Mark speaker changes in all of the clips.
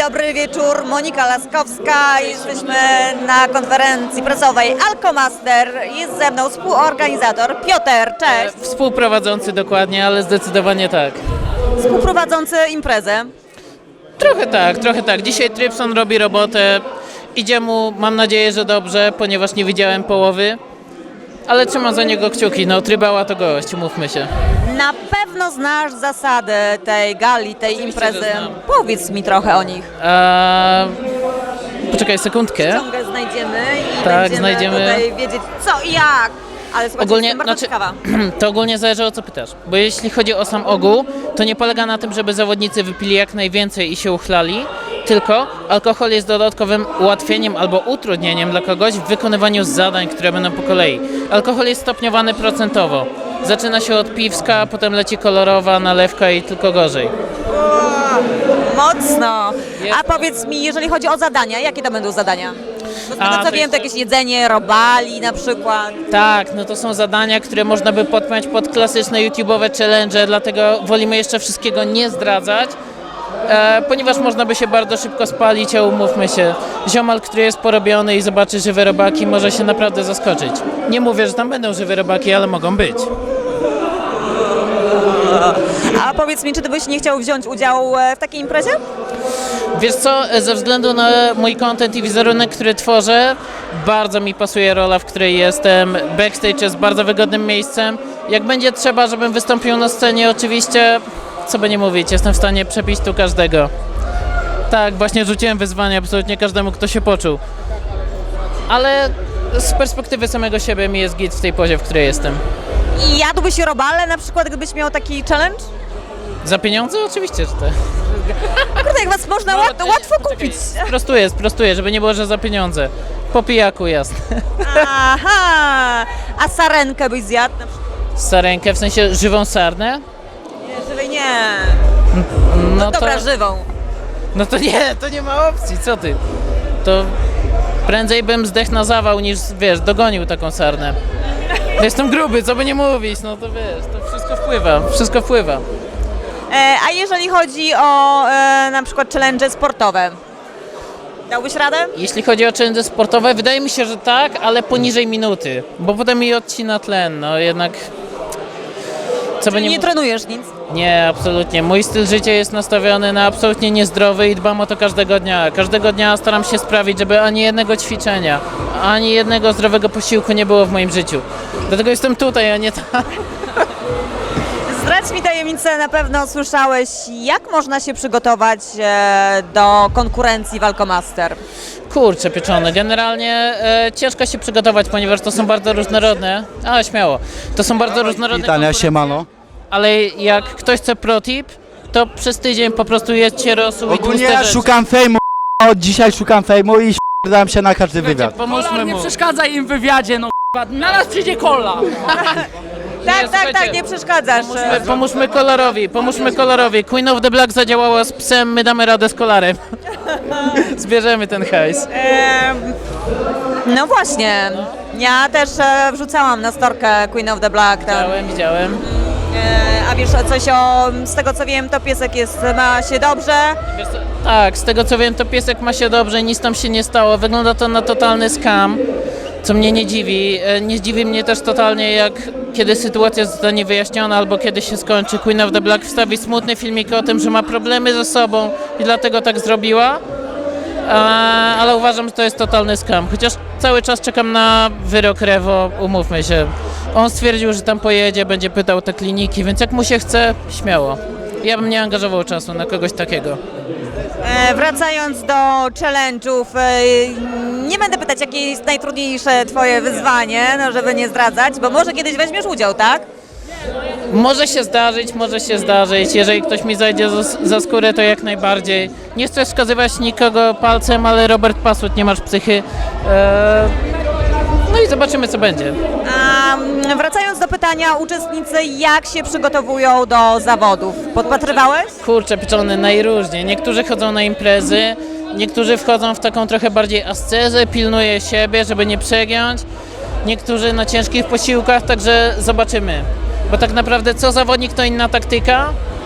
Speaker 1: dobry wieczór, Monika Laskowska. Jesteśmy na konferencji prasowej Alkomaster. Jest ze mną współorganizator Piotr, cześć.
Speaker 2: Współprowadzący dokładnie, ale zdecydowanie tak.
Speaker 1: Współprowadzący imprezę.
Speaker 2: Trochę tak. Dzisiaj Trypson robi robotę. Idzie mu, mam nadzieję, że dobrze, ponieważ nie widziałem połowy. Ale trzymam za niego kciuki, no Trybała to gość, umówmy się.
Speaker 1: Na pewno znasz zasady tej gali, tej
Speaker 2: Oczywiście,
Speaker 1: imprezy.
Speaker 2: że znam.
Speaker 1: Powiedz mi trochę o nich.
Speaker 2: Poczekaj sekundkę.
Speaker 1: Ciągle znajdziemy i
Speaker 2: Tak,
Speaker 1: będziemy
Speaker 2: znajdziemy.
Speaker 1: tutaj wiedzieć co i jak. Ale słuchajcie,
Speaker 2: Ogólnie,
Speaker 1: jestem bardzo ciekawa.
Speaker 2: to ogólnie zależy o co pytasz, bo jeśli chodzi o sam ogół, to nie polega na tym, żeby zawodnicy wypili jak najwięcej i się uchlali, tylko alkohol jest dodatkowym ułatwieniem albo utrudnieniem dla kogoś w wykonywaniu zadań, które będą po kolei. Alkohol jest stopniowany procentowo. Zaczyna się od piwska, potem leci kolorowa, nalewka i tylko gorzej.
Speaker 1: Mocno.
Speaker 2: Jest.
Speaker 1: A powiedz mi, jeżeli chodzi o zadania, jakie to będą zadania? Bo z tego co
Speaker 2: to
Speaker 1: wiem,
Speaker 2: jest-
Speaker 1: to jakieś jedzenie, robali na przykład.
Speaker 2: Tak, no to są zadania, które można by podpiąć pod klasyczne YouTube'owe challenge, dlatego wolimy jeszcze wszystkiego nie zdradzać, ponieważ można by się bardzo szybko spalić, a umówmy się, ziomal, który jest porobiony i zobaczy żywe robaki, może się naprawdę zaskoczyć. Nie mówię, że tam będą żywe robaki, ale mogą być.
Speaker 1: A powiedz mi, czy ty byś nie chciał wziąć udziału w takiej imprezie?
Speaker 2: Wiesz co, ze względu na mój content i wizerunek, który tworzę, bardzo mi pasuje rola, w której jestem. Backstage jest bardzo wygodnym miejscem. Jak będzie trzeba, żebym wystąpił na scenie, oczywiście, co by nie mówić, jestem w stanie przepić tu każdego. Tak, właśnie rzuciłem wyzwanie absolutnie każdemu, kto się poczuł. Ale z perspektywy samego siebie mi jest git w tej pozie, w której jestem.
Speaker 1: I jadłbyś robale na przykład, gdybyś miał taki challenge?
Speaker 2: Za pieniądze? Oczywiście, że tak.
Speaker 1: Kurde, jak was można łatwo
Speaker 2: Poczekaj,
Speaker 1: kupić.
Speaker 2: Sprostuję, żeby nie było, że za pieniądze. Po pijaku, jasne.
Speaker 1: Aha! A sarenkę byś zjadł na przykład?
Speaker 2: Sarenkę, w sensie żywą sarnę?
Speaker 1: Nie, żywej nie.
Speaker 2: No
Speaker 1: Dobra, żywą.
Speaker 2: No to nie ma opcji, co ty? To prędzej bym zdechł na zawał niż, wiesz, dogonił taką sarnę. Jestem gruby, co by nie mówić, no to wiesz, to wszystko wpływa.
Speaker 1: A jeżeli chodzi o na przykład challenge sportowe, dałbyś radę?
Speaker 2: Jeśli chodzi o challenge sportowe, wydaje mi się, że tak, ale poniżej minuty, bo potem mi odcina tlen, no jednak... Co by
Speaker 1: Nie
Speaker 2: nie
Speaker 1: trenujesz nic?
Speaker 2: Nie, absolutnie. Mój styl życia jest nastawiony na absolutnie niezdrowy i dbam o to każdego dnia. Każdego dnia staram się sprawić, żeby ani jednego ćwiczenia, ani jednego zdrowego posiłku nie było w moim życiu. Dlatego jestem tutaj, a nie tam.
Speaker 1: Zdradź mi tajemnicę, na pewno słyszałeś, jak można się przygotować do konkurencji w Alkomaster.
Speaker 2: Kurczę pieczone. Generalnie ciężko się przygotować, ponieważ to są bardzo różnorodne, ale śmiało, to są bardzo różnorodne
Speaker 3: Witania,
Speaker 2: konkurencje,
Speaker 3: siemano.
Speaker 2: ale jak ktoś chce pro tip, to przez tydzień po prostu jedźcie rosół i
Speaker 3: Ogólnie
Speaker 2: tłuste
Speaker 3: ja
Speaker 2: rzeczy.
Speaker 3: szukam fejmu, od dzisiaj szukam fejmu i dam się na każdy wywiad.
Speaker 2: Pomóżmy
Speaker 4: Nie
Speaker 2: mu.
Speaker 4: przeszkadzaj im w wywiadzie, no k***a. Na nas przyjdzie kola.
Speaker 1: Tak,
Speaker 2: słuchajcie,
Speaker 1: nie przeszkadzasz.
Speaker 2: Pomóżmy kolorowi. Queen of the Black zadziałała z psem, my damy radę z kolarem. Zbierzemy ten hajs.
Speaker 1: No właśnie, ja też wrzucałam na storkę Queen of the Black. Tam.
Speaker 2: Widziałem.
Speaker 1: A wiesz coś z tego co wiem, to piesek ma się dobrze.
Speaker 2: Wiesz co, tak, z tego co wiem, to piesek ma się dobrze, nic tam się nie stało. Wygląda to na totalny scam, co mnie nie dziwi. Nie zdziwi mnie też totalnie, jak kiedy sytuacja zostanie wyjaśniona albo kiedy się skończy. Queen of the Black wstawi smutny filmik o tym, że ma problemy ze sobą i dlatego tak zrobiła. Ale uważam, że to jest totalny scam. Chociaż cały czas czekam na wyrok Rewo, umówmy się. On stwierdził, że tam pojedzie, będzie pytał te kliniki, więc jak mu się chce, śmiało. Ja bym nie angażował czasu na kogoś takiego.
Speaker 1: Wracając do challenge'ów, nie będę pytać, jakie jest najtrudniejsze twoje wyzwanie, no żeby nie zdradzać, bo może kiedyś weźmiesz udział, tak?
Speaker 2: Może się zdarzyć. Jeżeli ktoś mi zajdzie za skórę, to jak najbardziej. Nie chcę wskazywać nikogo palcem, ale Robert Pasut, nie masz psychy. No i zobaczymy, co będzie.
Speaker 1: A wracając do pytania, uczestnicy jak się przygotowują do zawodów? Podpatrywałeś?
Speaker 2: Kurczę, pieczony najróżniej. Niektórzy chodzą na imprezy, niektórzy wchodzą w taką trochę bardziej ascezę, pilnuje siebie, żeby nie przegiąć. Niektórzy na ciężkich posiłkach, także zobaczymy. Bo tak naprawdę co zawodnik, to inna taktyka.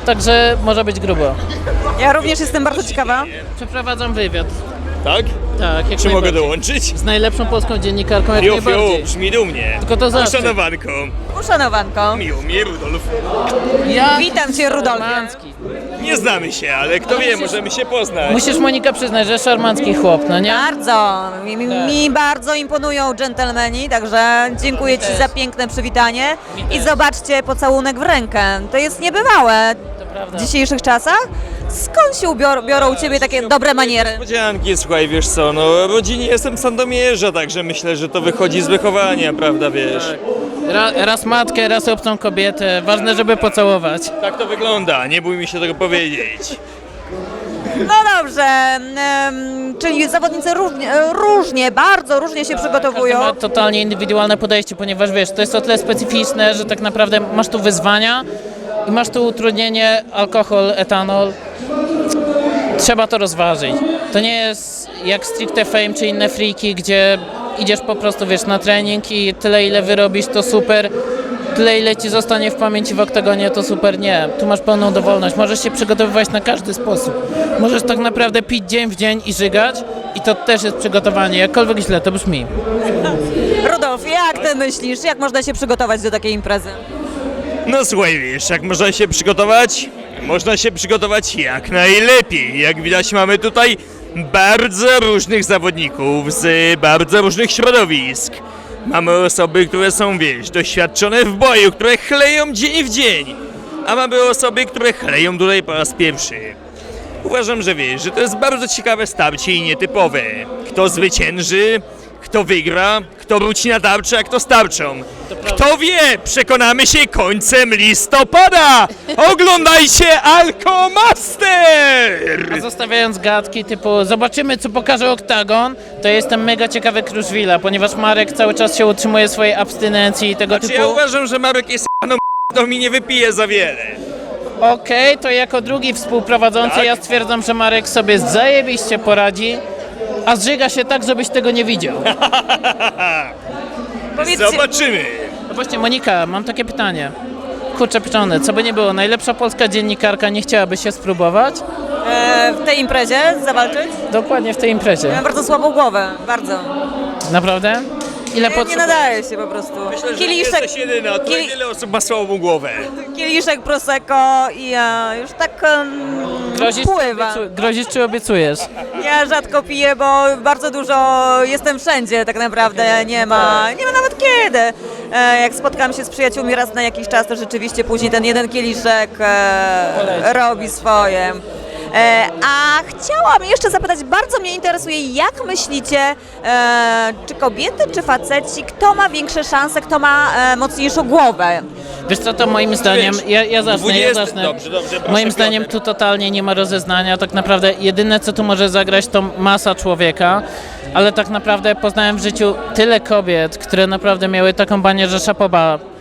Speaker 2: także może być grubo.
Speaker 1: Ja również jestem bardzo ciekawa.
Speaker 2: Przeprowadzam wywiad.
Speaker 5: Tak?
Speaker 2: Tak, jak
Speaker 5: Czy mogę
Speaker 2: najbardziej.
Speaker 5: dołączyć?
Speaker 2: Z najlepszą polską dziennikarką jak
Speaker 5: Fiu,
Speaker 2: najbardziej.
Speaker 5: brzmi dumnie.
Speaker 2: Tylko to zaszczyt.
Speaker 5: Uszanowanko.
Speaker 1: Uszanowanko.
Speaker 5: Miło mi, Rudolf.
Speaker 2: Ja...
Speaker 1: Witam cię, Rudolfie.
Speaker 2: Szarmancki.
Speaker 5: Nie znamy się, ale kto wie, możemy się poznać.
Speaker 2: Musisz, Monika, przyznać, że szarmancki chłop, no nie?
Speaker 1: Bardzo. Mi bardzo imponują dżentelmeni, także dziękuję Ci
Speaker 2: też.
Speaker 1: za piękne przywitanie.
Speaker 2: Mi
Speaker 1: I
Speaker 2: też.
Speaker 1: zobaczcie, pocałunek w rękę. To jest niebywałe
Speaker 2: To prawda.
Speaker 1: w dzisiejszych czasach. Skąd się biorą u Ciebie takie dobre maniery?
Speaker 5: Niespodzianki, słuchaj, wiesz co, no rodzinie jestem z Sandomierza, także myślę, że to wychodzi z wychowania, prawda, wiesz.
Speaker 2: Raz matkę, raz obcą kobietę. Ważne, żeby pocałować.
Speaker 5: Tak to wygląda, nie bój mi się tego powiedzieć.
Speaker 1: No dobrze, czyli zawodnicy różnie, bardzo różnie się przygotowują.
Speaker 2: Każdy ma totalnie indywidualne podejście, ponieważ wiesz, to jest o tyle specyficzne, że tak naprawdę masz tu wyzwania i masz tu utrudnienie, alkohol, etanol. Trzeba to rozważyć. To nie jest jak stricte fame czy inne freaki, gdzie idziesz po prostu, wiesz, na trening i tyle ile wyrobisz to super, tyle ile ci zostanie w pamięci w oktagonie to super. Nie, tu masz pełną dowolność, możesz się przygotowywać na każdy sposób. Możesz tak naprawdę pić dzień w dzień i żygać i to też jest przygotowanie, jakkolwiek źle to brzmi.
Speaker 1: Rudolf, jak Ty myślisz, jak można się przygotować do takiej imprezy?
Speaker 5: No słuchaj, wiesz, jak można się przygotować? Można się przygotować jak najlepiej. Jak widać, mamy tutaj bardzo różnych zawodników z bardzo różnych środowisk. Mamy osoby, które są, wiesz, doświadczone w boju, które chleją dzień w dzień. A mamy osoby, które chleją tutaj po raz pierwszy. Uważam, że wiesz, że to jest bardzo ciekawe starcie i nietypowe. Kto zwycięży, kto wygra, kto wróci na tarczę, a kto z tarczą. Kto wie, przekonamy się końcem listopada! Oglądajcie Alkomaster!
Speaker 2: A zostawiając gadki typu zobaczymy co pokaże oktagon, to jestem mega ciekawy Kruszwila, ponieważ Marek cały czas się utrzymuje swojej abstynencji i tego
Speaker 5: Znaczy,
Speaker 2: typu.
Speaker 5: ja uważam, że Marek jest to mi nie wypije za wiele.
Speaker 2: Okej, to jako drugi współprowadzący
Speaker 5: Tak?
Speaker 2: ja stwierdzam, że Marek sobie zajebiście poradzi, a zżyga się tak, żebyś tego nie widział.
Speaker 1: Powiedzcie,
Speaker 5: Zobaczymy.
Speaker 2: No właśnie, Monika, mam takie pytanie. Kurczę pieczone, co by nie było, najlepsza polska dziennikarka nie chciałaby się spróbować?
Speaker 1: w tej imprezie zawalczyć?
Speaker 2: Dokładnie w tej
Speaker 1: Ja
Speaker 2: imprezie.
Speaker 1: mam bardzo słabą głowę, bardzo.
Speaker 2: Naprawdę? Ile
Speaker 1: Nie nadaje się po prostu.
Speaker 5: Myślę, że nie jesteś jedyna, tutaj wiele osób ma słabą głowę.
Speaker 1: kieliszek prosecco i ja już tak pływam.
Speaker 2: Grozisz czy obiecujesz?
Speaker 1: Ja rzadko piję, bo bardzo dużo jestem wszędzie tak naprawdę, nie ma nawet kiedy. Jak spotkam się z przyjaciółmi raz na jakiś czas, to rzeczywiście później ten jeden kieliszek robi swoje. A chciałam jeszcze zapytać, bardzo mnie interesuje, jak myślicie, czy kobiety, czy faceci, kto ma większe szanse, kto ma mocniejszą głowę?
Speaker 2: Wiesz co, to moim zdaniem, ja zacznę.
Speaker 5: 20, dobrze, proszę,
Speaker 2: Moim zdaniem
Speaker 5: Piotr.
Speaker 2: tu totalnie nie ma rozeznania, tak naprawdę jedyne co tu może zagrać to masa człowieka, ale tak naprawdę poznałem w życiu tyle kobiet, które naprawdę miały taką banię, że szapoba.